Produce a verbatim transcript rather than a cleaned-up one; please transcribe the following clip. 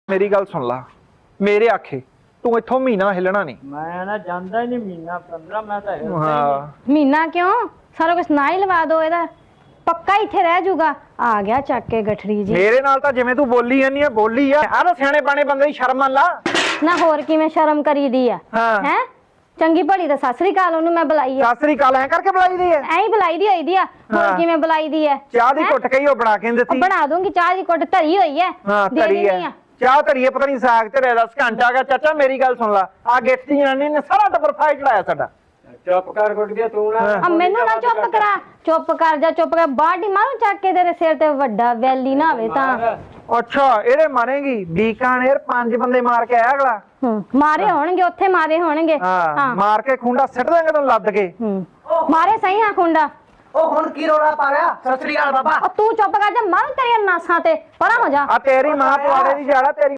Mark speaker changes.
Speaker 1: मेरी गल सुन ला, मेरे आखे तू इथों महीना हिलना नहीं।
Speaker 2: मैं ना जानदा ही नहीं महीना पंद्रह मैं तो हिलदा
Speaker 1: हाँ
Speaker 3: महीना क्यों सारा कुछ ना ही लवा दो एदा पक्का इथे रह जूगा। आ गया चक के गठरी जी
Speaker 1: मेरे नाल तां जिवें तू बोली जानी है बोली है आ ना सियाणे बाणे बंदे दी शर्म मान ला
Speaker 3: ना होर किवें शर्म करी दी है
Speaker 1: हाँ।
Speaker 3: हैं चंगी भली तो सत श्री अकाल ओनू मैं बुलाई है
Speaker 1: सत श्री अकाल ऐ करके बुलाई दी है
Speaker 3: ऐ ही बुलाई दी होई दी है होर
Speaker 1: हाँ।
Speaker 3: किवें बुलाई दी है
Speaker 1: चाह दी
Speaker 3: हैं?
Speaker 1: घुट के ही बना के दित्ती
Speaker 3: बना दूंगी चाह दी घुट धरी हुई है
Speaker 1: हाँ
Speaker 3: दे
Speaker 1: धरी
Speaker 3: देनी
Speaker 1: है चाह धरी है पता नहीं साग ते रह दस घंटा आ गया चाचा मेरी गल सुन ला आ गिफ्ट दी जनानी ने सारा टब्बर फाइट चढ़ाया साडा
Speaker 2: चुप कर गुट गया तू ना
Speaker 3: अब मैनू ना चुप करा चुप कर जा चुप कर बाटी मारू चक के तेरे सिर ते वड्डा वैली ना होवे तां
Speaker 1: अच्छा एड़े मारेगी बीकानेर पांच बंदे मार के आया अगला
Speaker 3: हम्म मारे होणगे ओथे मारे होणगे
Speaker 1: हाँ,
Speaker 3: हाँ
Speaker 1: मार के खुंडा सिट देंगे तुम लद के
Speaker 3: हम्म मारे सही हां खुंडा
Speaker 4: ओ हुन की रोड़ा पा गया सत श्री अकाल बाबा
Speaker 3: और तू चुप कर जा मारू तेरी नासां ते परा हो जा
Speaker 1: आ तेरी मां पवाड़े दी जाड़ा तेरी